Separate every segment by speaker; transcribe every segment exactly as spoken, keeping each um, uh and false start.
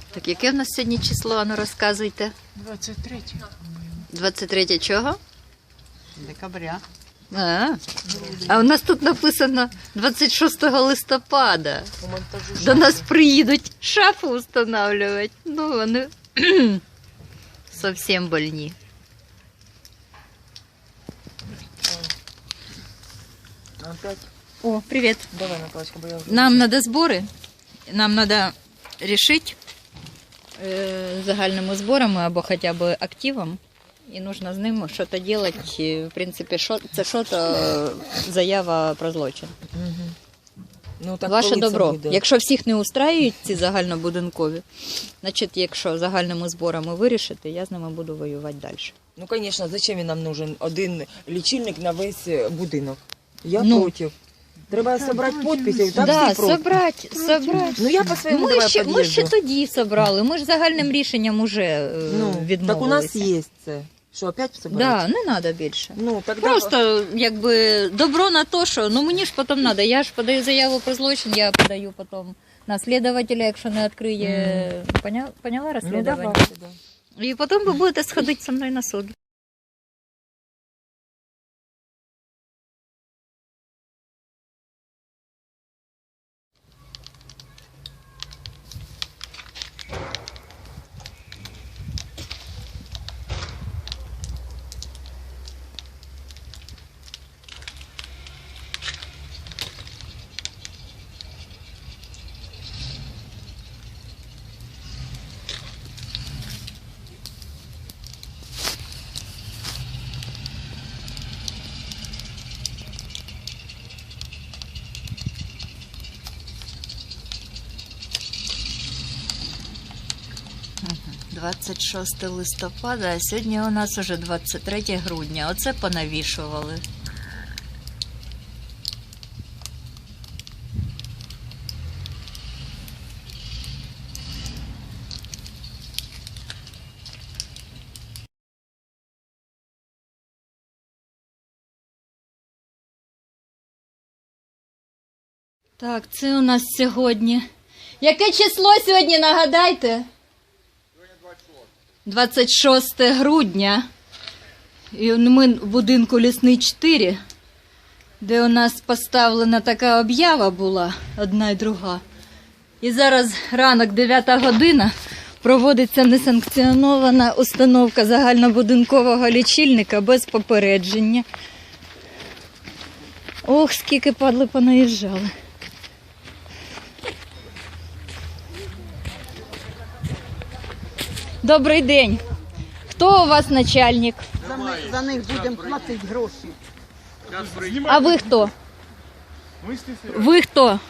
Speaker 1: Так яке в нас сьогодні число, ану розказуйте?
Speaker 2: двадцять третє.
Speaker 1: двадцять третє чого?
Speaker 2: Декабря.
Speaker 1: А, а у нас тут написано двадцять шостого листопада. До нас приїдуть шафу встановлювати. Ну, вони зовсім больні.
Speaker 2: Опять?
Speaker 1: О, привіт.
Speaker 2: Давай, Наталочка, бо я вже...
Speaker 1: Нам треба збори. Нам треба рішити е, загальними зборами або хоча б активом. І потрібно з ним щось робити. В принципі, шо, це щось заява про злочин.
Speaker 2: Угу. Ну, так
Speaker 1: Ваше
Speaker 2: коли це
Speaker 1: добро.
Speaker 2: буде?
Speaker 1: Якщо всіх не устраюють ці загальнобудинкові, значить, якщо загальними зборами вирішити, я з ними буду воювати далі.
Speaker 2: Ну, звісно, зачем він нам нужен один лічильник на весь будинок? Я
Speaker 1: Ну.
Speaker 2: проти. Треба зібрати підписи, так
Speaker 1: Да,
Speaker 2: всі проти.
Speaker 1: собрати, собрати.
Speaker 2: Ну, я по своєму
Speaker 1: Ми
Speaker 2: давай
Speaker 1: ще, ми ще
Speaker 2: під'їзду.
Speaker 1: тоді собрали, ми ж загальним рішенням уже е,
Speaker 2: Ну,
Speaker 1: відмовилися.
Speaker 2: так у нас є це. Що, опять собрати?
Speaker 1: Да, не треба більше.
Speaker 2: Ну, тогда...
Speaker 1: Просто якби добро на то, що ну мені ж потім треба. Я ж подаю заяву про злочин, я подаю потім на слідувателя, якщо не відкриє. Поняла, поняла
Speaker 2: Ну,
Speaker 1: розслідування?
Speaker 2: давайте, да.
Speaker 1: І потім ви будете сходити зі мною на суд. двадцять шосте листопада, а сьогодні у нас уже двадцять третє грудня. Оце понавішували. Так, це у нас сьогодні. Яке число сьогодні, нагадайте? двадцять шосте грудня. І ми в будинку Лісний чотири, де у нас поставлена така об'ява була, одна і друга. І зараз ранок, дев'ята година, проводиться несанкціонована установка загальнобудинкового лічильника без попередження. Ох, скільки падли понаїжджали. Добрий день. Хто у вас начальник?
Speaker 3: За, ми- за них будемо платити гроші.
Speaker 1: А ви хто? Ви хто?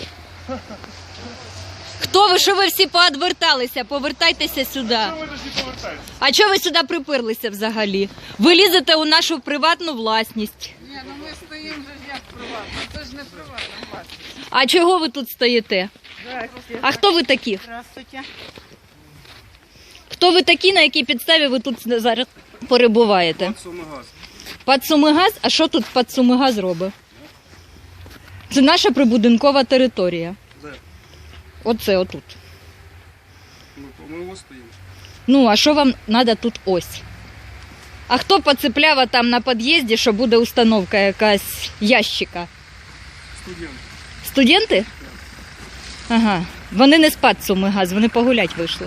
Speaker 1: Хто ви, що ви всі поодверталися? Повертайтеся сюди. А чого ви сюди приперлися взагалі? Ви лізете у нашу приватну власність.
Speaker 3: Ні, ну ми стоїмо вже як приватно. Це ж не приватна власність.
Speaker 1: А чого ви тут стоїте? А хто ви такі?
Speaker 3: Здравствуйте.
Speaker 1: Хто ви такі, на якій підставі ви тут зараз перебуваєте?
Speaker 4: Сумигаз.
Speaker 1: Падсумигаз? А що тут Падсумигаз робить? Це наша прибудинкова територія.
Speaker 4: Де?
Speaker 1: Оце отут.
Speaker 4: Ну, ми ось стоїмо.
Speaker 1: Ну, а що вам треба тут ось? А хто поцепляв там на під'їзді, що буде установка якась ящика?
Speaker 4: Студент.
Speaker 1: Студенти? Ага. Вони не з Падсумигаз, вони погулять вийшли.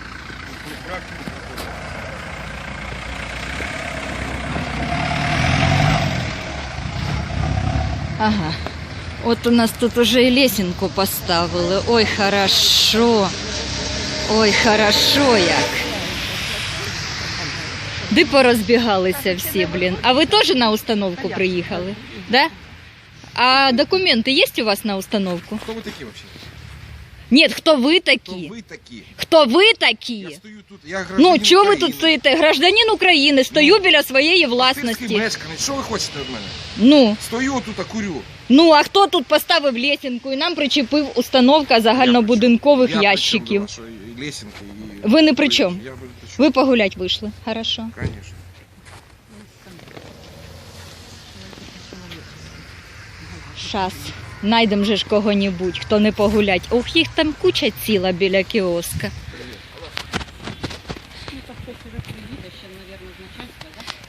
Speaker 1: Ага. От у нас тут уже і лесенку поставили. Ой, хорошо. Ой, хорошо як. Де порозбігалися всі, блін. А ви теж на установку приїхали? Да? А документи є у вас на установку?
Speaker 5: Кто вы такие вообще?
Speaker 1: Ні, хто ви
Speaker 5: Кто
Speaker 1: такі?
Speaker 5: вы такие?
Speaker 1: Хто ви
Speaker 5: Я
Speaker 1: такі?
Speaker 5: стою тут, я гражданин
Speaker 1: Ну, чого ви
Speaker 5: України.
Speaker 1: тут стоїте? Гражданин України, стою біля своєї
Speaker 5: Сільський
Speaker 1: власності.
Speaker 5: мешканець. Що ви хочете від мене?
Speaker 1: Ну,
Speaker 5: Стою тут, а курю.
Speaker 1: ну, а хто тут поставив лесенку і нам причепив установка загальнобудинкових
Speaker 5: Я
Speaker 1: ящиків?
Speaker 5: причем до вашої лесенки і...
Speaker 1: Ви не при чому?
Speaker 5: Я при чому?
Speaker 1: Ви погулять вийшли. Хорошо.
Speaker 5: Конечно.
Speaker 1: Щас. Найдем же ж кого-небудь, хто не погулять. Ох, їх там куча ціла біля кіоска.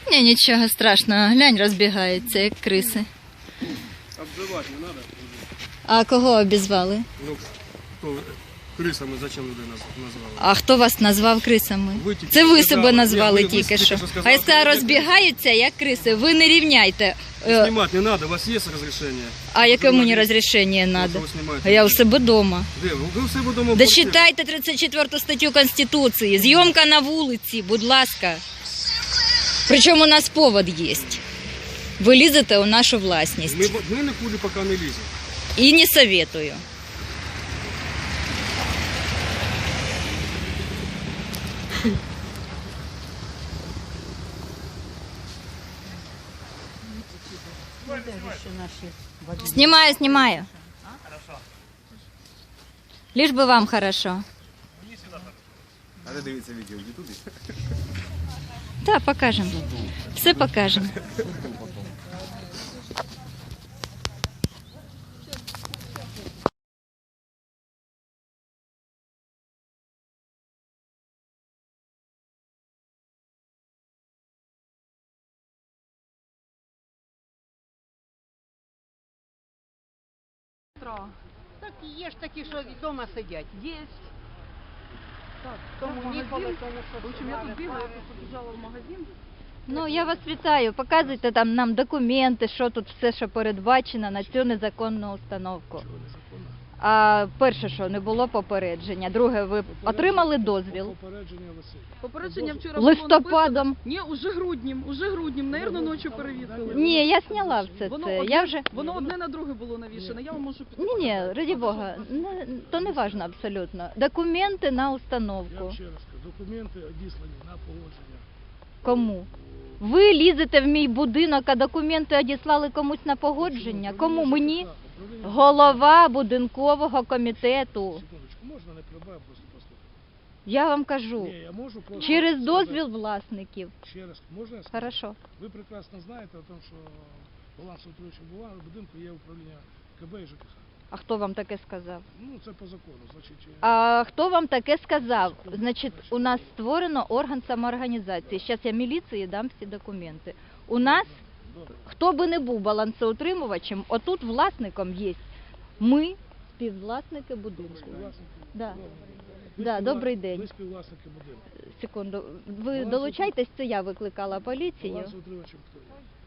Speaker 1: Ні, нічого страшного, глянь, розбігаються, як криси.
Speaker 4: Обзывать не надо.
Speaker 1: А кого обізвали?
Speaker 4: Ну, кто крысами зачем людей наз- назвали?
Speaker 1: А хто вас назвав крисами?
Speaker 4: Ви тільки
Speaker 1: Це ви
Speaker 4: сказали.
Speaker 1: себе назвали
Speaker 4: Ні, ви- ви
Speaker 1: тільки
Speaker 4: тільки
Speaker 1: що.
Speaker 4: що сказали,
Speaker 1: Хай
Speaker 4: що
Speaker 1: сказали,
Speaker 4: ви-
Speaker 1: розбігаються, як криси. Ви не рівняйте. Е,
Speaker 4: Снимать не надо, у вас есть разрешение?
Speaker 1: А яке мені
Speaker 4: Журналист.
Speaker 1: розрішення
Speaker 4: Ну,
Speaker 1: треба?
Speaker 4: що ви знімаєте?
Speaker 1: А я у себе вдома.
Speaker 4: Де? Ви ви у себе вдома в
Speaker 1: Да
Speaker 4: квартирі?
Speaker 1: читайте тридцять четверту статтю Конституції. Зйомка на вулиці, будь ласка. Причому у нас повод є. Ви лізете у нашу власність.
Speaker 4: Ми, ми нікуди поки не ліземо.
Speaker 1: І не советую. Снимаю, снимаю. Лишь бы вам хорошо.
Speaker 5: А де дивіться відео в Ютубі?
Speaker 1: Так, покажемо. Все покажемо.
Speaker 6: Так є ж такі, що вдома сидять. Є. Так, тому ніколи, тому що...
Speaker 3: В общем, я тут бігла, я тут побіжала в магазин.
Speaker 1: Ну, я вас вітаю. Показуйте там нам документи, що тут все, що передбачено на цю незаконну установку. А перше, що не було попередження. Друге, ви отримали дозвіл
Speaker 3: Попередження вчора було
Speaker 1: листопадом.
Speaker 3: написано. Ні, уже груднім, уже груднім, наверно, ночі перевісили.
Speaker 1: Ні, я зняла все
Speaker 3: Воно
Speaker 1: це.
Speaker 3: одне,
Speaker 1: Я вже
Speaker 3: воно одне на друге було навішане, я вам можу
Speaker 1: ні,
Speaker 3: підказати.
Speaker 1: ні, раді Бога, не, то не важно абсолютно. Документи на
Speaker 7: Я
Speaker 1: установку.
Speaker 7: вам ще раз кажу, документи одіслані на погодження.
Speaker 1: Кому? Ви лізете в мій будинок, а документи одіслали комусь на погодження? Кому? Мені?
Speaker 7: Управління
Speaker 1: Голова будинкового комітету.
Speaker 7: Секундочку, можна не прибав, просто послухати.
Speaker 1: Я вам кажу,
Speaker 7: Ні, я можу просто...
Speaker 1: через
Speaker 7: сказати-
Speaker 1: дозвіл власників.
Speaker 7: Ще раз, можна я скажу?
Speaker 1: Хорошо.
Speaker 7: Ви прекрасно знаєте о тому, що балансоутримуючим будинку є управління КБ і ЖКХ.
Speaker 1: А хто вам таке сказав?
Speaker 7: Ну, це по закону, значить... е,
Speaker 1: А хто вам таке сказав? Значить, у нас створено орган самоорганізації. Зараз я міліції дам всі документи. У нас,
Speaker 7: Добре.
Speaker 1: хто би не був балансоутримувачем, отут власником є ми, співвласники будинку.
Speaker 7: Співвласники.
Speaker 1: Да.
Speaker 7: Добре. Ви
Speaker 1: Да,
Speaker 7: співвла-
Speaker 1: добрий день.
Speaker 7: Ви співвласники будинку.
Speaker 1: Секунду, ви долучайтесь, це я викликала поліцію.
Speaker 7: Балансоутримувачем хто є?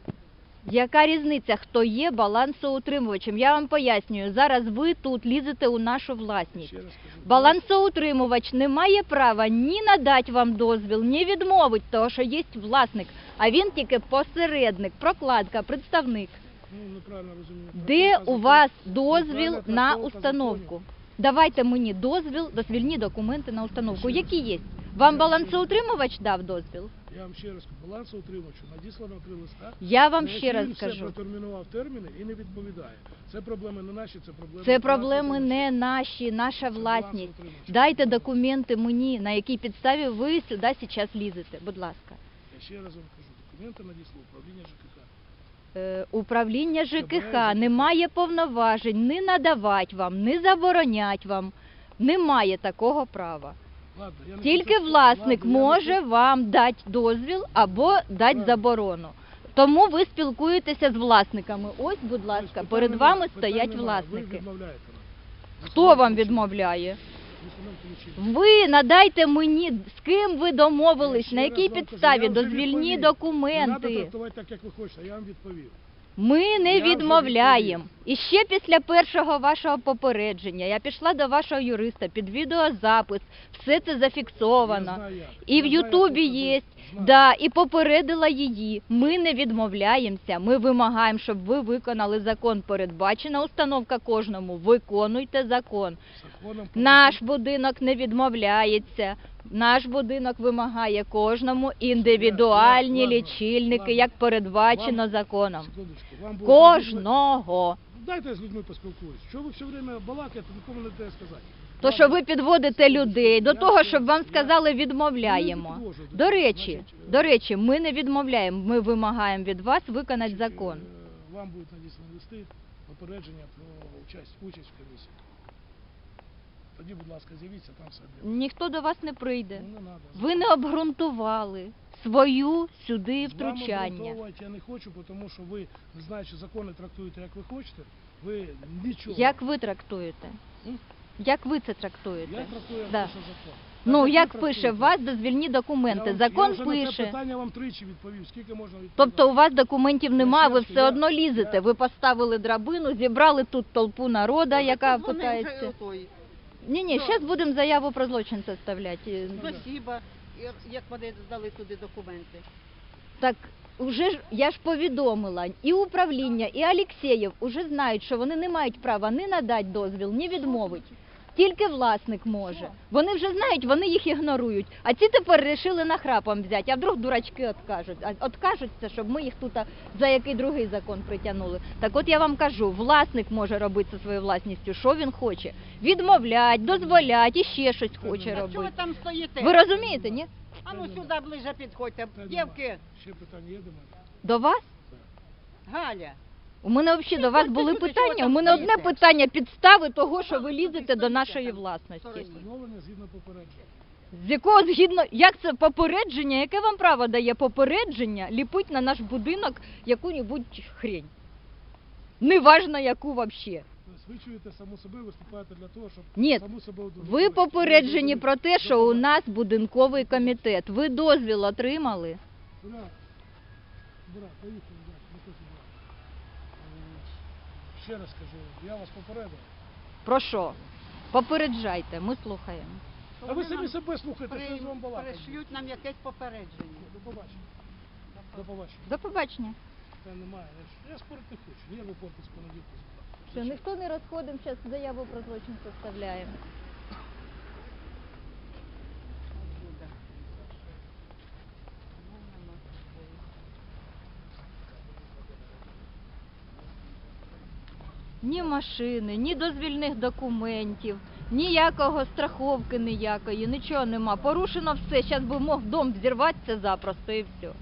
Speaker 1: Яка різниця, хто є балансоутримувачем? Я вам пояснюю, зараз ви тут лізете у нашу власність.
Speaker 7: Ще раз кажу.
Speaker 1: Балансоутримувач не має права ні надати вам дозвіл, ні відмовити, того, що є власник, а він тільки посередник, прокладка, представник.
Speaker 7: Ну, неправильно розумію.
Speaker 1: Де
Speaker 7: Трактовка
Speaker 1: у вас
Speaker 7: закону.
Speaker 1: дозвіл
Speaker 7: Неправильна
Speaker 1: на
Speaker 7: трактовка
Speaker 1: установку?
Speaker 7: законів.
Speaker 1: Давайте мені дозвіл, дозвільні документи на установку. Які є? Вам балансоутримувач дав дозвіл?
Speaker 7: Я вам ще раз кажу, балансоутримувачу надіслано три листа.
Speaker 1: Я вам
Speaker 7: на
Speaker 1: ще
Speaker 7: які
Speaker 1: раз
Speaker 7: він все
Speaker 1: кажу.
Speaker 7: протермінував терміни і не відповідає. Це проблеми не наші, це проблеми...
Speaker 1: Це проблеми
Speaker 7: балансоутримувача.
Speaker 1: не наші, наша
Speaker 7: Це
Speaker 1: власність.
Speaker 7: балансоутримувача.
Speaker 1: Дайте документи мені, на якій підставі ви сюди зараз лізете. Будь ласка.
Speaker 7: Я ще раз вам кажу, документи надіслав управління ЖКХ.
Speaker 1: Е, Управління ЖКХ
Speaker 7: ЖКХ.
Speaker 1: не має повноважень не надавати вам, не заборонять вам. Немає такого права.
Speaker 7: Ладно, я не
Speaker 1: Тільки
Speaker 7: хочу-
Speaker 1: власник
Speaker 7: ладно, я не
Speaker 1: може
Speaker 7: хочу-
Speaker 1: вам дати дозвіл або дати
Speaker 7: Правильно.
Speaker 1: заборону. Тому ви спілкуєтеся з власниками. Ось, будь ласка,
Speaker 7: Тобто
Speaker 1: перед
Speaker 7: питань
Speaker 1: вами
Speaker 7: немає, питань
Speaker 1: стоять
Speaker 7: немає.
Speaker 1: власники.
Speaker 7: Ви відмовляєте нам.
Speaker 1: Хто вам відмовляє? Ви надайте мені, з ким ви домовились, на якій підставі, дозвільні
Speaker 7: Не треба
Speaker 1: документи.
Speaker 7: трактувати так, як ви хочете, я вам відповів.
Speaker 1: Ми не
Speaker 7: Я вже
Speaker 1: відмовляємо.
Speaker 7: відповів.
Speaker 1: І ще після першого вашого попередження я пішла до вашого юриста під відеозапис, все це
Speaker 7: Я
Speaker 1: зафіксовано.
Speaker 7: знаю, як.
Speaker 1: І в
Speaker 7: Я знаю,
Speaker 1: Ютубі
Speaker 7: як це
Speaker 1: є,
Speaker 7: знаю.
Speaker 1: да, і попередила її. Ми не відмовляємося, ми вимагаємо, щоб ви виконали закон. Передбачена установка кожному. Виконуйте закон.
Speaker 7: Законом
Speaker 1: Наш будинок не відмовляється. Наш будинок вимагає кожному індивідуальні
Speaker 7: Ладно,
Speaker 1: лічильники,
Speaker 7: ладно.
Speaker 1: як передбачено
Speaker 7: Вам-
Speaker 1: законом.
Speaker 7: Секундочку, вам було
Speaker 1: Кожного.
Speaker 7: потрібно- Дайте я з людьми поспілкуюсь. Що ви все время балакаєте, нікому не даєте сказати.
Speaker 1: То,
Speaker 7: Ладно.
Speaker 1: що ви підводите людей до
Speaker 7: Я
Speaker 1: того,
Speaker 7: ще-
Speaker 1: щоб вам
Speaker 7: я-
Speaker 1: сказали
Speaker 7: Я
Speaker 1: відмовляємо.
Speaker 7: не підвожу до
Speaker 1: До
Speaker 7: цього.
Speaker 1: речі,
Speaker 7: Значить,
Speaker 1: до речі, ми не відмовляємо. Ми вимагаємо від вас виконати
Speaker 7: значить,
Speaker 1: закон.
Speaker 7: е, Вам будуть надіслані листи, попередження про участь, участь в комісії. тоді, будь ласка, з'явіться, там все буде.
Speaker 1: Ніхто до вас не прийде.
Speaker 7: Ну, не надо.
Speaker 1: Ви не обґрунтували свою сюди
Speaker 7: З вами
Speaker 1: втручання.
Speaker 7: обґрунтовувати я не хочу, тому що ви, не знаючи закони, трактуєте, як ви хочете, ви нічого.
Speaker 1: Як ви трактуєте?
Speaker 7: М?
Speaker 1: Як ви це трактуєте?
Speaker 7: Я трактую, як
Speaker 1: Да.
Speaker 7: пише закон.
Speaker 1: Ну,
Speaker 7: Так,
Speaker 1: як
Speaker 7: ви
Speaker 1: пише,
Speaker 7: трактуєте?
Speaker 1: у вас дозвільні документи,
Speaker 7: Я вам-
Speaker 1: закон
Speaker 7: я вже на це
Speaker 1: пише.
Speaker 7: питання вам тричі відповів, скільки можна відповідати.
Speaker 1: Тобто у вас документів немає, ви
Speaker 7: ще раз,
Speaker 1: все
Speaker 7: я-
Speaker 1: одно лізете.
Speaker 7: я-
Speaker 1: Ви поставили драбину, зібрали тут толпу народа, яка
Speaker 6: Подзвонив вже
Speaker 1: питається.
Speaker 6: отой.
Speaker 1: Ні, ні, зараз будемо заяву про злочин составляти.
Speaker 6: Спасибо, і- як вони здали туди документи.
Speaker 1: Так уже ж я ж повідомила, і управління, і Алєксєєв уже знають, що вони не мають права ні надати дозвіл, ні відмовити. Тільки власник може. Вони вже знають, вони їх ігнорують. А ці тепер вирішили нахрапом взяти. А вдруг дурачки откажуть. А откажуться, щоб ми їх тут а, за який другий закон притягнули. Так от я вам кажу, власник може робити зі своєю власністю, що він хоче. Відмовлять, дозволять і ще щось хоче
Speaker 6: А чого ви
Speaker 1: робити.
Speaker 6: там стоїте?
Speaker 1: Ви розумієте, ні?
Speaker 6: А ну сюди ближче підходьте.
Speaker 7: Та
Speaker 6: Дівки,
Speaker 7: Ще питання є до мене?
Speaker 1: До вас?
Speaker 6: Галя.
Speaker 1: У мене взагалі до вас
Speaker 6: Ти
Speaker 1: були
Speaker 6: люди,
Speaker 1: питання.
Speaker 6: чого
Speaker 1: У
Speaker 6: там
Speaker 1: мене одне
Speaker 6: стоїте?
Speaker 1: питання підстави того, що ви лізете до нашої власності.
Speaker 7: Встановлення згідно попередження.
Speaker 1: З якого згідно, як це попередження, яке вам право дає попередження ліпить на наш будинок яку-небудь хрень? Неважно яку взагалі.
Speaker 7: Тобто ви чуєте саму себе, виступаєте для того, щоб
Speaker 1: Ні,
Speaker 7: саму себе
Speaker 1: ви
Speaker 7: удовлетворити.
Speaker 1: попереджені про те, що у
Speaker 7: До
Speaker 1: нас будинковий комітет. Ви дозвіл отримали?
Speaker 7: Брат, брат, поїхали, брат, не хочу, брат. Е, Ще раз кажу, я вас попередив.
Speaker 1: Про що? Попереджайте, ми слухаємо.
Speaker 7: А ви самі себе слухайте, що я з
Speaker 6: При-
Speaker 7: вам балакаю.
Speaker 6: Пришлють нам якесь попередження.
Speaker 7: До побачення. До побачення.
Speaker 1: До побачення.
Speaker 7: Та немає, я, ж- я спорити не хочу. Я випорти з понеділка.
Speaker 1: Все, ніхто не розходимо, зараз заяву про злочин составляємо. Ні машини, ні дозвільних документів, ніякого страховки ніякої, нічого нема. Порушено все, зараз би мог дом взірватися запросто і все.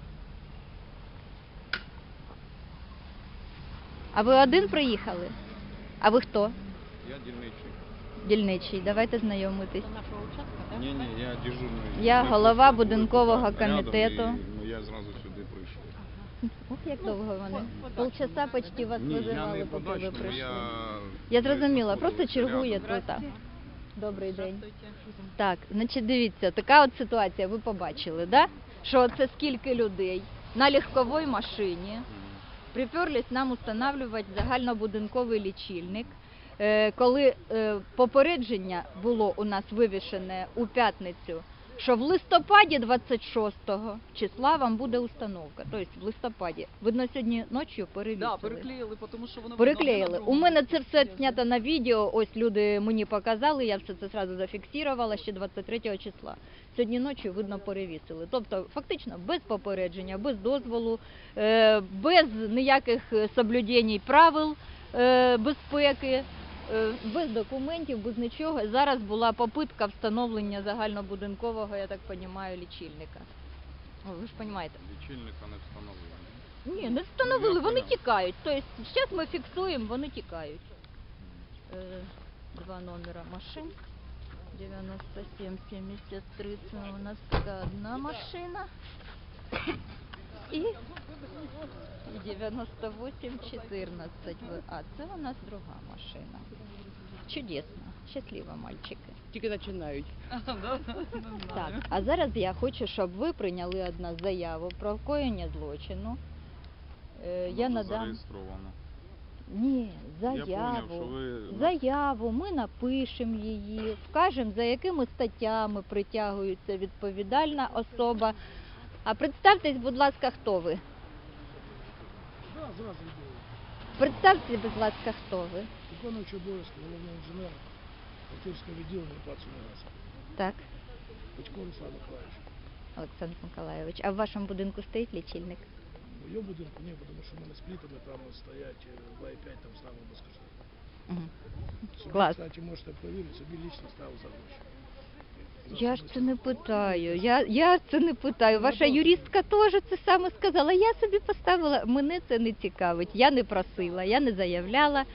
Speaker 1: А ви один приїхали? А ви хто?
Speaker 5: Я дільничий.
Speaker 1: Дільничий, давайте знайомитись.
Speaker 6: До нашого участка, так?
Speaker 5: Ні, ні, я дежурний.
Speaker 1: Я
Speaker 5: Ми
Speaker 1: голова
Speaker 5: просто
Speaker 1: будинкового
Speaker 5: були тут рядом,
Speaker 1: комітету.
Speaker 5: і, ну, я зразу сюди прийшов.
Speaker 1: Ох, як довго вони.
Speaker 6: по-
Speaker 1: Полчаса почти вас
Speaker 5: Ні, я
Speaker 1: визивали,
Speaker 5: не
Speaker 1: поки ви
Speaker 5: подачно,
Speaker 1: прийшли.
Speaker 5: я...
Speaker 1: Я зрозуміла, просто
Speaker 5: знаходився
Speaker 1: чергує
Speaker 5: рядом.
Speaker 1: тут. а. Добрий день. Так, значить дивіться, така от ситуація, ви побачили, да? Що це скільки людей на легковій машині
Speaker 5: Мгм.
Speaker 1: приперлись нам встановлювати загальнобудинковий лічильник. Е, Коли е, попередження було у нас вивішене у п'ятницю, що в листопаді двадцять шостого числа вам буде установка. Тобто в листопаді. Видно, сьогодні ночі перевісили.
Speaker 8: Да, переклеїли, тому що воно
Speaker 1: Переклеїли. У мене це все знято на відео, ось люди мені показали, я все це одразу зафіксувала ще двадцять третього числа. Сьогодні ночі, видно, перевісили. Тобто, фактично, без попередження, без дозволу, е, без ніяких соблюдень правил е, безпеки, е, без документів, без нічого. Зараз була попитка встановлення загальнобудинкового, я так розумію, лічильника. О, ви ж розумієте.
Speaker 5: Лічильника не встановлено.
Speaker 1: Ні, не встановили,
Speaker 5: Я
Speaker 1: вони
Speaker 5: понял.
Speaker 1: тікають. Тобто, зараз ми фіксуємо, вони тікають. Е, Два номера машин. девяносто семь семьдесят три, це у нас така одна машина. І, і девяносто восемь чотирнадцять. А це у нас друга машина. Чудесно. Щасливо, мальчики.
Speaker 8: Тільки починають.
Speaker 1: Так, а зараз я хочу, щоб ви прийняли од нас заяву про вкоєння злочину. Е, Я
Speaker 5: Воно
Speaker 1: надам.
Speaker 5: зареєстровано.
Speaker 1: Ні,
Speaker 5: Я поняв, що
Speaker 1: заяву.
Speaker 5: ви...
Speaker 1: Заяву, ми напишемо її, вкажемо, за якими статтями притягується відповідальна особа. А представтесь, будь ласка, хто ви?
Speaker 7: Да, зразу йду.
Speaker 1: Представте, будь ласка, хто ви?
Speaker 7: Виконуючий обов'язки головного інженера Артурського відділення ПАЦ «Унігаз».
Speaker 1: Так,
Speaker 7: Батько Руслан Миколаївич.
Speaker 1: Олександр Миколайович. А в вашому будинку стоїть лічильник?
Speaker 7: В моєму будинку ні, тому що в мене з плітами там стоять е, в Ай п'ять, там ставив безкоштовно.
Speaker 1: Угу.
Speaker 7: Собі,
Speaker 1: Клас.
Speaker 7: кстати, можете перевірити, собі лічно ставив за гроші.
Speaker 1: Я ж це не питаю. Я, я це не питаю. Ваша юристка теж це саме сказала. Я собі поставила. Мене це не цікавить. Я не просила, я не заявляла.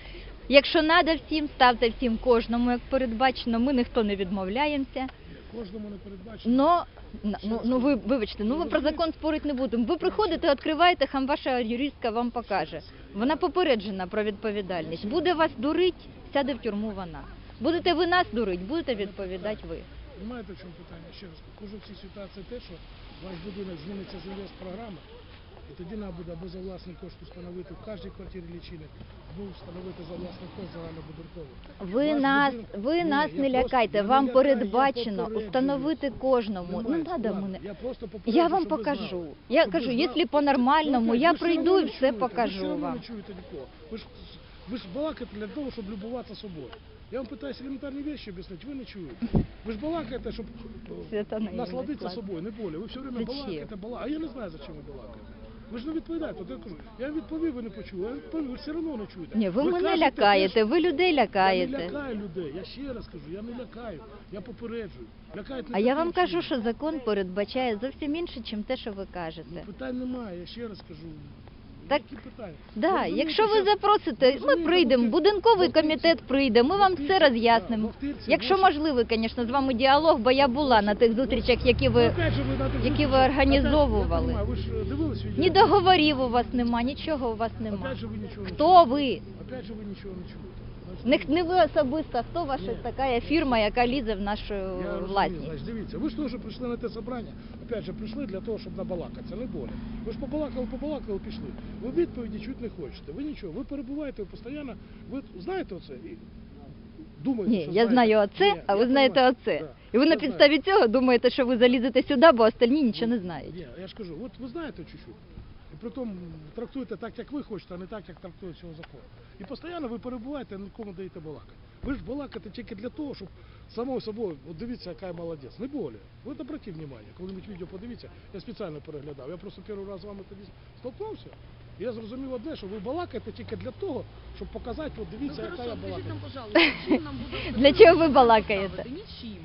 Speaker 1: Якщо треба всім, ставте всім кожному, як передбачено. Ми ніхто не відмовляємося.
Speaker 7: Кожному не передбачено.
Speaker 1: Но, ну, ну ви, вибачте, ну ви про закон спорити не будемо. Ви приходите, відкриваєте, хам ваша юристка вам покаже. Вона попереджена про відповідальність. Буде вас дурить, сяде в тюрму вона. Будете ви нас дурить, будете відповідати ви.
Speaker 7: Знаєте, в чому питання? Ще раз, кажу в цій ситуації те, що ваш будинок зміниться з інвестпрограми, і тоді нам буде або за власний кошт встановити в кожній квартирі лічильник, або встановити за власний кошт загальнобудинковий.
Speaker 1: Ви
Speaker 7: Ваш
Speaker 1: нас,
Speaker 7: будинок-
Speaker 1: ви
Speaker 7: Ні,
Speaker 1: нас
Speaker 7: я
Speaker 1: не
Speaker 7: просто-
Speaker 1: лякайте,
Speaker 7: я не
Speaker 1: вам
Speaker 7: лякаю, я
Speaker 1: передбачено
Speaker 7: попереджую.
Speaker 1: установити кожному. Не
Speaker 7: Немає
Speaker 1: треба
Speaker 7: складу.
Speaker 1: мене.
Speaker 7: Я просто попереджую,
Speaker 1: Я вам
Speaker 7: щоб ви
Speaker 1: покажу.
Speaker 7: знали.
Speaker 1: Я
Speaker 7: Щоб ви
Speaker 1: кажу,
Speaker 7: знали.
Speaker 1: якщо по-нормальному,
Speaker 7: Ну,
Speaker 1: я
Speaker 7: ви ж
Speaker 1: прийду
Speaker 7: одно
Speaker 1: і
Speaker 7: не
Speaker 1: все
Speaker 7: чуєте, Ви
Speaker 1: покажу
Speaker 7: ж одно
Speaker 1: вам.
Speaker 7: не чуєте нікого. Ви ж, ви ж балакаєте для того, щоб любуватися собою. Я вам питаюся елементарні речі об'яснити, ви не чуєте. Ви ж балакаєте, щоб
Speaker 1: Свята наивный
Speaker 7: насладитися
Speaker 1: склад.
Speaker 7: собою, не более. Ви все время
Speaker 1: Зачем?
Speaker 7: балакаєте, балакаєте. А я не знаю, за чим ви балакаєте. Ви ж не відповідаєте. От я кажу, я вам відповів, ви не почули. Я відповів, ви все одно не чуєте.
Speaker 1: Ні, ви мене
Speaker 7: кажете те,
Speaker 1: лякаєте,
Speaker 7: що-
Speaker 1: ви людей
Speaker 7: Я не
Speaker 1: лякаєте.
Speaker 7: лякаю людей, я ще раз кажу, я не лякаю, я попереджую. Лякають не
Speaker 1: А я
Speaker 7: таким
Speaker 1: вам кажу,
Speaker 7: чином.
Speaker 1: що закон передбачає зовсім інше, ніж те, що ви кажете.
Speaker 7: Питань немає, я ще раз кажу.
Speaker 1: Так,
Speaker 7: Які питання?
Speaker 1: Да,
Speaker 7: розумієте,
Speaker 1: якщо ви
Speaker 7: що-
Speaker 1: запросите, ми
Speaker 7: розумієте,
Speaker 1: прийдемо,
Speaker 7: в Охтир-
Speaker 1: будинковий
Speaker 7: в Охтирці-
Speaker 1: комітет прийде, ми вам
Speaker 7: в
Speaker 1: все
Speaker 7: Охтирці-
Speaker 1: роз'яснимо.
Speaker 7: да, в Охтирці
Speaker 1: Якщо
Speaker 7: ваше-
Speaker 1: можливо, звісно, з вами діалог, бо я була на тих зустрічах, які
Speaker 7: Ну,
Speaker 1: ви...
Speaker 7: опять же, ви на тих
Speaker 1: які ви
Speaker 7: зустрічах-
Speaker 1: організовували.
Speaker 7: опять, я понимаю, ви ж дивились відео?
Speaker 1: Ні договорів у вас нема, нічого у вас нема.
Speaker 7: Опять же, ви нічого не
Speaker 1: Хто
Speaker 7: чуєте.
Speaker 1: ви?
Speaker 7: Опять же, ви нічого не чуєте.
Speaker 1: Не,
Speaker 7: Значить,
Speaker 1: не ви особисто, а хто ваша
Speaker 7: Ні.
Speaker 1: така фірма, яка лізе в нашу
Speaker 7: я розумію,
Speaker 1: власність?
Speaker 7: значить, дивіться, ви ж теж прийшли на те собрання, опять же, прийшли для того, щоб набалакатися, не более. Ви ж побалакали, побалакали, пішли. Ви відповіді чуть не хочете, ви нічого, ви перебуваєте постійно, ви знаєте оце? І думаєте,
Speaker 1: Ні,
Speaker 7: що
Speaker 1: я
Speaker 7: знаєте.
Speaker 1: знаю оце,
Speaker 7: Ні,
Speaker 1: а
Speaker 7: я
Speaker 1: ви знаєте
Speaker 7: понимаю.
Speaker 1: оце.
Speaker 7: Да.
Speaker 1: І ви на
Speaker 7: Я знаю.
Speaker 1: підставі цього думаєте, що ви залізете сюди, бо остальні нічого не знають.
Speaker 7: Ні, я ж кажу, от ви знаєте чуть-чуть. І при тому трактуєте так, як ви хочете, а не так, як трактує цього закон. І постійно ви перебуваєте, нікому даєте балакати. Ви ж балакаєте тільки для того, щоб само собою, от дивіться, яка я молодець. Не более. Ви обратіть увагу, коли-небудь відео подивіться, я спеціально переглядав. Я просто перший раз з вами тоді столкнувся. І я зрозумів одне, що ви балакаєте тільки для того, щоб показати, от дивіться,
Speaker 8: Ну
Speaker 7: яка
Speaker 8: хорошо,
Speaker 7: я
Speaker 8: скажіть
Speaker 7: балакаю.
Speaker 8: нам, пожалуйста, чим нам буде
Speaker 1: Для чого ви балакаєте?
Speaker 8: ставити? Нічим.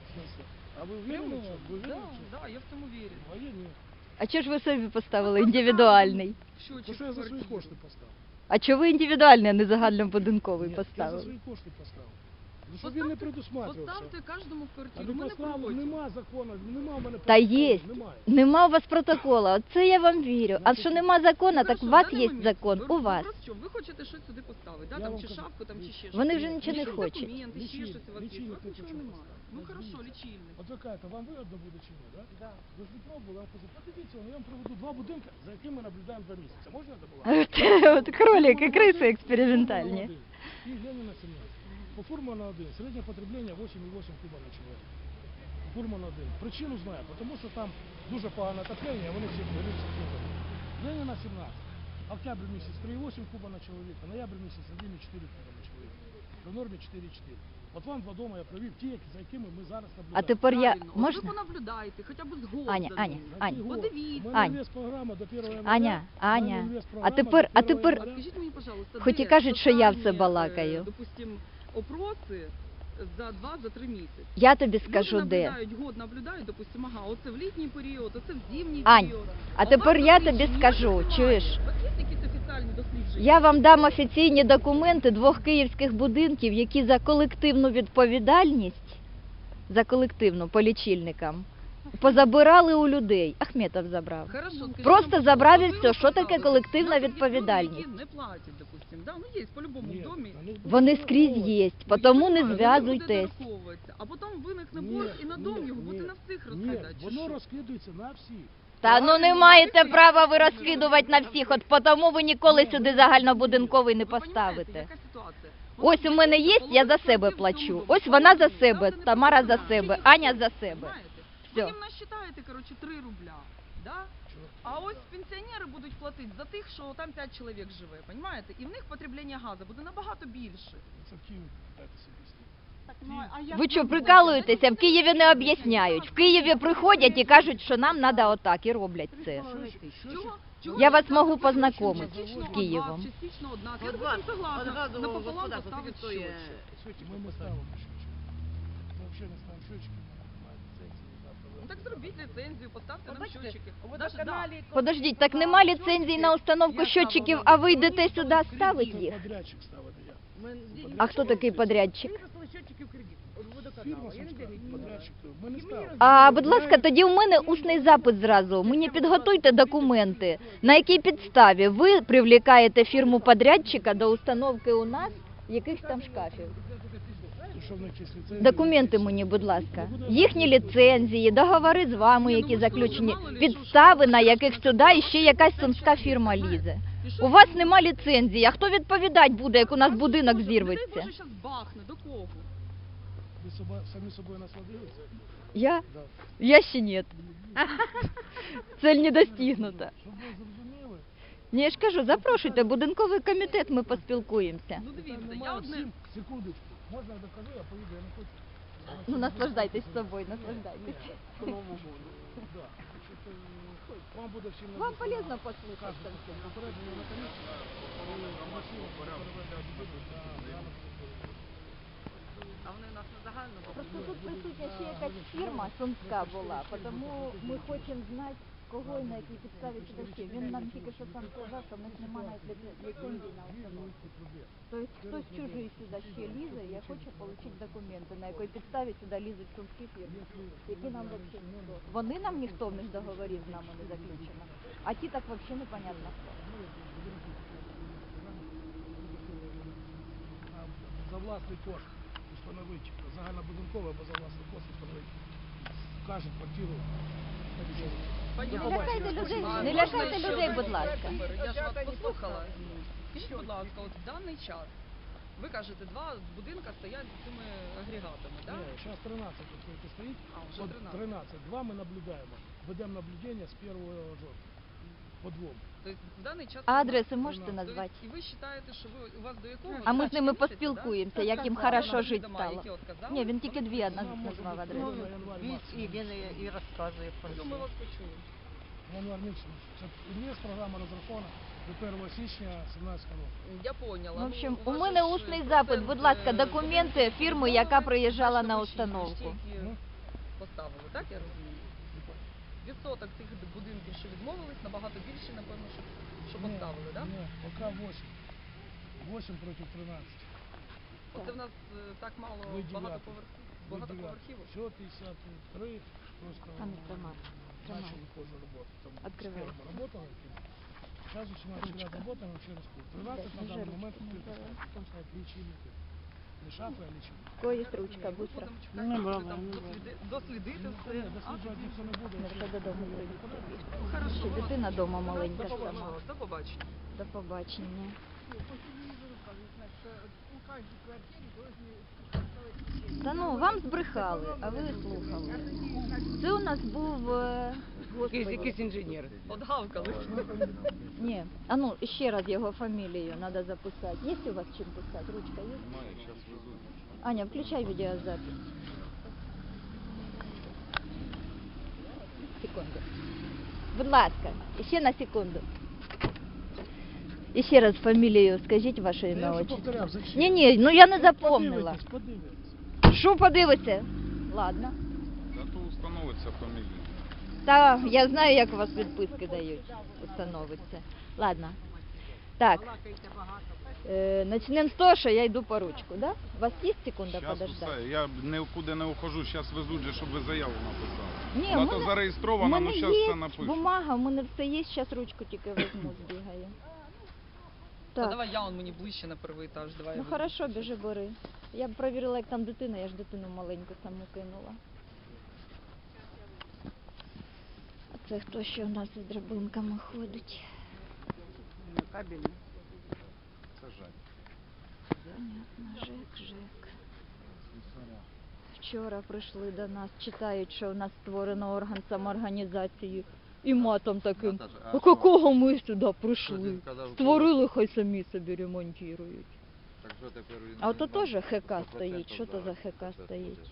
Speaker 7: А ви вірили? Ви
Speaker 8: Да,
Speaker 7: вірили?
Speaker 8: да, я в цьому вірю.
Speaker 7: А я ні.
Speaker 1: А чого ж ви собі поставили індивідуальний?
Speaker 7: Тому
Speaker 8: Щочик
Speaker 7: що я
Speaker 8: в
Speaker 7: за свої
Speaker 8: квартирі.
Speaker 7: кошти поставив.
Speaker 1: А чого ви індивідуальний, а не загальнобудинковий
Speaker 7: Ні, я за
Speaker 1: поставили?
Speaker 7: свої кошти поставив. Ну, щоб він не
Speaker 8: Поставте-
Speaker 7: предусматривався.
Speaker 8: Поставте кожному в
Speaker 7: А
Speaker 8: квартиру.
Speaker 7: не
Speaker 8: Ми не
Speaker 7: поставив,
Speaker 8: проти.
Speaker 7: нема закону, нема в мене
Speaker 1: Та
Speaker 7: протоколу,
Speaker 1: є.
Speaker 7: Немає.
Speaker 1: Нема у вас протокола, оце я вам вірю. А що нема закону, так у
Speaker 8: Хорошо,
Speaker 1: вас
Speaker 8: в даний
Speaker 1: є
Speaker 8: момент
Speaker 1: закон,
Speaker 8: ви-
Speaker 1: у вас.
Speaker 8: Ви, що, ви хочете щось сюди поставити, да?
Speaker 7: Я
Speaker 8: Там
Speaker 7: вам
Speaker 8: чи
Speaker 7: кажу,
Speaker 8: шафку, там чи ще щось.
Speaker 1: Вони вже нічого не
Speaker 8: Якісь
Speaker 1: хочуть.
Speaker 8: документи, ще
Speaker 7: Лічильник,
Speaker 8: щось у вас є. У
Speaker 7: лічильник
Speaker 8: вас
Speaker 7: не
Speaker 8: нічого
Speaker 7: хочу
Speaker 8: немає.
Speaker 7: поставити.
Speaker 8: Ну
Speaker 7: Значить,
Speaker 8: хорошо,
Speaker 7: дивіться.
Speaker 8: лічильник.
Speaker 7: От ви кажете, вам вигодно буде чи ні, так? Да? Ви ж не пробували, я вам кажу, подивіться, ну, я вам приведу два будинки, за якими ми наблюдаємо два місяці. Можна це було?
Speaker 1: От кролики, криси експериментальні.
Speaker 7: І Леніна сімнадцять. По Фурману один, середнє потреблення вісім і вісім куба на чоловіка. По Фурману один. Причину знаю, тому що там дуже погане отоплення, вони всі горються. Леніна сімнадцять. Октябрь місяць три і вісім куба на чоловіка, ноябрь місяць один і чотири куба на чоловіка. При нормі чотири і чотири. От вам два дома я провів ті, за якими ми зараз наблюдаємо.
Speaker 1: А тепер я
Speaker 8: Правильно. От Ви
Speaker 1: можна?
Speaker 8: понаблюдайте, хоча б згод
Speaker 1: Аня,
Speaker 8: за
Speaker 1: Аня,
Speaker 8: ним.
Speaker 1: Аня.
Speaker 8: Подивіться.
Speaker 7: У мене
Speaker 1: Ань.
Speaker 7: інвестпрограма до першого января.
Speaker 1: Аня,
Speaker 7: У мене
Speaker 1: Аня.
Speaker 7: інвестпрограма
Speaker 1: А тепер,
Speaker 7: до
Speaker 1: а
Speaker 7: першого
Speaker 1: тепер,
Speaker 7: января.
Speaker 8: Скажіть мені, пожалуйста,
Speaker 1: Хоч і
Speaker 8: де
Speaker 1: кажуть, що я все
Speaker 8: тотальні,
Speaker 1: балакаю.
Speaker 8: е, Допустим, опроси за два-за три місяці.
Speaker 1: я тобі скажу
Speaker 8: Люди
Speaker 1: де.
Speaker 8: наблюдають, год наблюдають, допустим, ага, оце в літній період, оце в зимній
Speaker 1: Ань,
Speaker 8: період.
Speaker 1: а
Speaker 8: у
Speaker 1: тепер
Speaker 8: вас
Speaker 1: я
Speaker 8: досліджень
Speaker 1: тобі
Speaker 8: ніяких
Speaker 1: скажу,
Speaker 8: немає.
Speaker 1: чуєш?
Speaker 8: У вас є якісь офіціальні дослідження?
Speaker 1: Я вам дам офіційні документи двох київських будинків, які за колективну відповідальність, за колективну по лічильникам, позабирали у людей. Ахметов забрав.
Speaker 8: Хорошо, скажіть
Speaker 1: Просто
Speaker 8: нам,
Speaker 1: забрав і
Speaker 8: от ви
Speaker 1: все. Що таке
Speaker 8: розказали,
Speaker 1: колективна
Speaker 8: у нас є люди,
Speaker 1: відповідальність?
Speaker 8: які не платять, допустим, да? Ну є по-любому
Speaker 7: Ні,
Speaker 8: в домі.
Speaker 7: вони ж
Speaker 1: Вони
Speaker 7: будуть
Speaker 1: скрізь
Speaker 7: враховувати.
Speaker 1: є,
Speaker 8: Ну,
Speaker 1: тому
Speaker 8: я
Speaker 1: не
Speaker 8: знаю,
Speaker 1: зв'язуйтесь.
Speaker 8: вони будуть дораховуватися. А потім виникне
Speaker 7: Ні,
Speaker 8: борг і на дом
Speaker 7: ні,
Speaker 8: його буде
Speaker 7: ні.
Speaker 8: на всіх
Speaker 7: Ні,
Speaker 8: розкидати. чи
Speaker 7: воно
Speaker 8: що?
Speaker 7: розкидується на всіх.
Speaker 1: Та ну не маєте права ви розслідувати на всіх, от тому ви ніколи сюди загальнобудинковий не
Speaker 8: Ви понімаєте,
Speaker 1: поставите.
Speaker 8: яка ситуація?
Speaker 1: Ось у мене є, я за себе плачу. Ось вона за себе, Тамара за себе, Аня за себе.
Speaker 8: Ви
Speaker 1: Все.
Speaker 8: їм насчитаєте, коротше, три рубля, да? А ось пенсіонери будуть платити за тих, що там п'ять чоловік живе, понімаєте? І в них потреблення газу буде набагато більше.
Speaker 7: Це в Києві питайтеся об'яснити.
Speaker 1: Ви що, прикалуєтеся? В Києві не об'ясняють. В Києві приходять і кажуть, що нам треба отак, і роблять це.
Speaker 8: Чого? Чого
Speaker 1: Я
Speaker 8: ви
Speaker 1: вас
Speaker 8: так
Speaker 1: можу
Speaker 8: кажете,
Speaker 1: познайомити
Speaker 8: що частично
Speaker 1: з
Speaker 8: од
Speaker 1: Києвом.
Speaker 8: вас, частично од нас. Я, допустим, согласна, напополам поставити щочик.
Speaker 7: Ми не ставимо щочки. Ми взагалі не ставимо щочки. Це
Speaker 8: Ну так зробіть ліцензію, поставте нам щотчики.
Speaker 6: У
Speaker 8: Даже, да.
Speaker 6: водоканалі
Speaker 1: Подождіть, так нема ліцензії на установку щотчиків, а ви йдете сюди ставити їх?
Speaker 7: Подрядчик ставити я.
Speaker 6: Ми-
Speaker 1: А хто такий подрядчик?
Speaker 6: Ми виписали щотчики в кредит. От водоканалу.
Speaker 7: Фірма
Speaker 6: Я не
Speaker 7: сумська,
Speaker 6: дивлюсь.
Speaker 7: подрядчик. Ми не ставимо.
Speaker 1: А, будь ласка, тоді у мене усний запит зразу. Мені підготуйте документи. На якій підставі ви привлікаєте фірму подрядчика до установки у нас якихось там шкафів?
Speaker 7: Що в них є ліцензія?
Speaker 1: Документи мені, будь ласка. Їхні ліцензії, договори з вами,
Speaker 8: Ні, ну
Speaker 1: які
Speaker 8: ви ж
Speaker 1: заключені,
Speaker 8: теж мало ли,
Speaker 1: підстави,
Speaker 8: що-
Speaker 1: на
Speaker 8: що-
Speaker 1: яких
Speaker 8: що-
Speaker 1: сюди
Speaker 8: що-
Speaker 1: іще якась сумська фірма лізе.
Speaker 8: І що
Speaker 1: У вас
Speaker 8: ви-
Speaker 1: нема ліцензії, а хто відповідати буде, як у нас
Speaker 8: Вас
Speaker 1: будинок
Speaker 8: Боже,
Speaker 1: зірветься?
Speaker 8: Дай Боже, зараз бахне, до кого?
Speaker 7: Ви соба- самі собою насладилися?
Speaker 1: Я?
Speaker 7: Да.
Speaker 1: Я ще ні. Цель не достигнута.
Speaker 7: Щоб ви зрозуміли,
Speaker 1: Ні, я ж кажу, запрошуйте, будинковий комітет, ми поспілкуємося.
Speaker 8: Ну
Speaker 7: там
Speaker 8: дивіться, я
Speaker 7: немає
Speaker 8: одне...
Speaker 7: всім, секундочку, можна я докажу, я поїду, я не хочу.
Speaker 1: Ну, наслаждайтесь собою, наслаждайтесь.
Speaker 7: Да. Значить, е, Вам буде всім
Speaker 1: Вам
Speaker 7: написано
Speaker 1: полезно послухати.
Speaker 7: кажуть, попередження на комісії, коли комісію переведе будинок на рано.
Speaker 8: А вони у нас на загальному.
Speaker 1: Просто тут присутня ще якась фірма сумська була, тому ми хочемо знати, кого і на якій підставі сюди ще. Він нам тільки що сам сказав, що в них немає навіть ліце- ліцензії на установку. Тобто хтось чужий сюди ще лізе, я хочу отримати документи, на якій підставі сюди лізуть сумські фірми, які нам взагалі ніхто. Вони нам ніхто в них договорів з нами не заключено, а ті так взагалі непонятно хто.
Speaker 7: За власний кошт встановити загальнобудинкове або за власний кошт встановити кожну квартиру.
Speaker 1: Не лякайте людей,
Speaker 8: А
Speaker 1: не
Speaker 8: можна
Speaker 1: лякайте
Speaker 8: ще
Speaker 1: людей,
Speaker 8: один
Speaker 1: будь ласка.
Speaker 8: тепер? Я ж вас послухала. Скажіть, будь ласка, от в даний час, ви кажете, два будинка стоять з цими агрегатами, так?
Speaker 7: Ні, зараз тринадцять тільки стоїть.
Speaker 8: А, вже
Speaker 7: От
Speaker 8: тринадцять.
Speaker 7: тринадцять. Два ми наблюдаємо. Ведемо наблюдення з першого жовтня. По двом.
Speaker 8: Тобто в даний час...
Speaker 1: А адреси можете
Speaker 8: Тобто,
Speaker 1: назвати?
Speaker 8: і ви вважаєте, що ви, у вас до якого?
Speaker 1: А ми з ними
Speaker 8: місяця,
Speaker 1: поспілкуємося,
Speaker 8: да?
Speaker 1: як їм
Speaker 8: Так,
Speaker 1: хорошо
Speaker 8: так,
Speaker 1: жити
Speaker 8: дома,
Speaker 1: стало.
Speaker 8: які от казали,
Speaker 1: Ні, він тільки
Speaker 8: вони-
Speaker 1: дві одна
Speaker 7: Вона може
Speaker 1: назвав
Speaker 7: бути
Speaker 1: адресу.
Speaker 7: январь, январь, марс.
Speaker 6: І він і, і розказує про
Speaker 8: Ну,
Speaker 6: це.
Speaker 8: ми вас почули.
Speaker 7: Январь місяць. Це є програма розрахована до першого січня сімнадцятого року.
Speaker 8: Я поняла.
Speaker 1: В общем,
Speaker 8: Ну,
Speaker 1: у
Speaker 8: вас
Speaker 1: мене
Speaker 8: же ж
Speaker 1: усний
Speaker 8: процент,
Speaker 1: запит, будь ласка,
Speaker 8: е,
Speaker 1: документи
Speaker 8: будинків
Speaker 1: фірми,
Speaker 8: відмовили,
Speaker 1: яка приїжджала
Speaker 8: значить,
Speaker 1: на
Speaker 8: ви
Speaker 1: установку.
Speaker 8: ті, які
Speaker 7: Ну.
Speaker 8: поставили, так я розумію? Відсоток тих будинків, що відмовились, набагато більший, напевно, що, що поставили, так?
Speaker 7: Ні, поки вісім. вісім проти тринадцяти.
Speaker 8: Оце в нас е, так мало
Speaker 7: Ви дев'ятий.
Speaker 8: багатоповерхів. Багатоповерхівок.
Speaker 7: Все, п'ятдесят три. Просто
Speaker 1: Там тримай, тримай.
Speaker 7: начали позже работать. Там
Speaker 1: Открывай.
Speaker 7: с первым работала. Сейчас еще начали
Speaker 1: Ручка.
Speaker 7: работаем вообще раз. тринадцать на
Speaker 1: Держи
Speaker 7: данный
Speaker 1: ручку,
Speaker 7: момент
Speaker 1: не
Speaker 7: открыто.
Speaker 1: давай.
Speaker 7: Потом стоят личильники. Не шафы, а личильники.
Speaker 1: У кого є ручка,
Speaker 8: Ні,
Speaker 1: быстро.
Speaker 8: Будемо чекати, коли там досліди- дослідити все.
Speaker 7: Ні,
Speaker 8: А,
Speaker 7: досліджувати ніхто не буде.
Speaker 1: Не все додому прийдеться бігти.
Speaker 8: ну, хорошо.
Speaker 1: Ще дитина вдома маленька
Speaker 8: До
Speaker 1: сама.
Speaker 8: побачення. До побачення.
Speaker 1: До побачення. Та ну, вам збрехали, а ви слухали. Це у нас був... е, Господи.
Speaker 6: Якийсь інженер.
Speaker 8: Одгавкали.
Speaker 1: Ні, а ну, ще раз його фамілію треба записати. Є у вас чим писати? Ручка є?
Speaker 5: Немає, зараз везуть.
Speaker 1: Аня, включай відеозапись. Секунду. Будь ласка, ще на секунду. І ще раз фамілію скажіть ваше
Speaker 7: Я
Speaker 1: ім'я
Speaker 7: вже
Speaker 1: отчество.
Speaker 7: повторяв, зачем?
Speaker 1: Ні, ні, ну я не запомнила.
Speaker 7: Подивитесь, подивитесь.
Speaker 1: Що подивиться? Ладно.
Speaker 5: Зато установиться фамілія.
Speaker 1: Та я знаю, як у вас відписки дають, установиться. Ладно. Так. Е, начнемо з того, що я йду по ручку, да? У вас є секунда
Speaker 5: Зараз
Speaker 1: подождати?
Speaker 5: усе, я нікуди не ухожу, зараз везуть, же, щоб ви заяву написали.
Speaker 1: Ні,
Speaker 5: Вона
Speaker 1: у
Speaker 5: то
Speaker 1: мене- У
Speaker 5: зареєстрована, ну
Speaker 1: мене
Speaker 5: зараз
Speaker 1: є
Speaker 5: все напишу.
Speaker 1: бумага, у мене все є, зараз ручку тільки візьму, збігаю.
Speaker 8: Та
Speaker 1: Так,
Speaker 8: давай я он мені ближче на перший етаж. Давай.
Speaker 1: ну
Speaker 8: я
Speaker 1: хорошо, біжи, бери. Я б перевірила, як там дитина, я ж дитину маленьку саму кинула. А це хто ще у нас із драбинками ходить?
Speaker 6: Кабельний.
Speaker 5: Це жаль.
Speaker 1: Понятно, Жек, Жек. Вчора прийшли до нас, читають, що у нас створено орган самоорганізації. І матом таким.
Speaker 9: Наташа, а
Speaker 1: А
Speaker 9: що?
Speaker 1: какого ми сюди
Speaker 9: Що
Speaker 1: прийшли?
Speaker 9: ти сказав,
Speaker 1: Створили, хай самі собі ремонтують.
Speaker 9: Так що тепер він
Speaker 1: А ото
Speaker 9: вам
Speaker 1: теж ХК
Speaker 9: сто
Speaker 1: стоїть.
Speaker 9: процентів
Speaker 1: Що то за ХК
Speaker 9: процент
Speaker 1: стоїть?
Speaker 9: буде.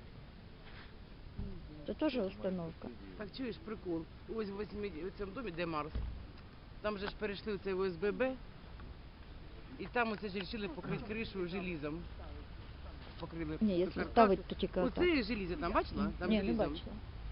Speaker 1: Це теж установка.
Speaker 6: Так чуєш, прикол. Ось в восьмі, у цьому домі, де Марс, там же ж перейшли в цей О С Б Б, і там оце ж вирішили покрити кришу желізом. Покрили
Speaker 1: Ні, якщо
Speaker 6: каркас.
Speaker 1: ставить, то тільки отак.
Speaker 6: Оце желізо там, бачила? Там
Speaker 1: Ні, не
Speaker 6: желізом.
Speaker 1: бачила.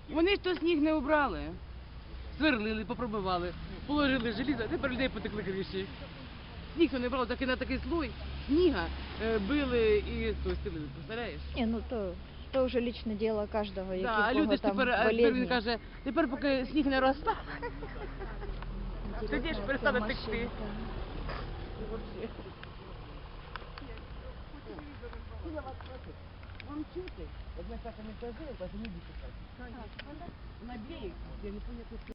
Speaker 6: Вони ж то сніг не убрали. Сверлили, попробивали, положили желізо, а тепер людей потекли криші. Сніг то не брав, так і на такий слой сніга е, били і то стелили, представляєш?
Speaker 1: Ні, ну то, то вже лічне діло кожного, які
Speaker 6: Да,
Speaker 1: в
Speaker 6: а
Speaker 1: кого
Speaker 6: люди ж
Speaker 1: там
Speaker 6: тепер, а тепер він
Speaker 1: болезні.
Speaker 6: каже, тепер поки сніг не розтане, тоді ж перестане
Speaker 1: Ця
Speaker 6: текти.
Speaker 1: машинка.
Speaker 6: Вам чути? Як ми так не казали, то люди писати. На берег, я не пам'ятаю,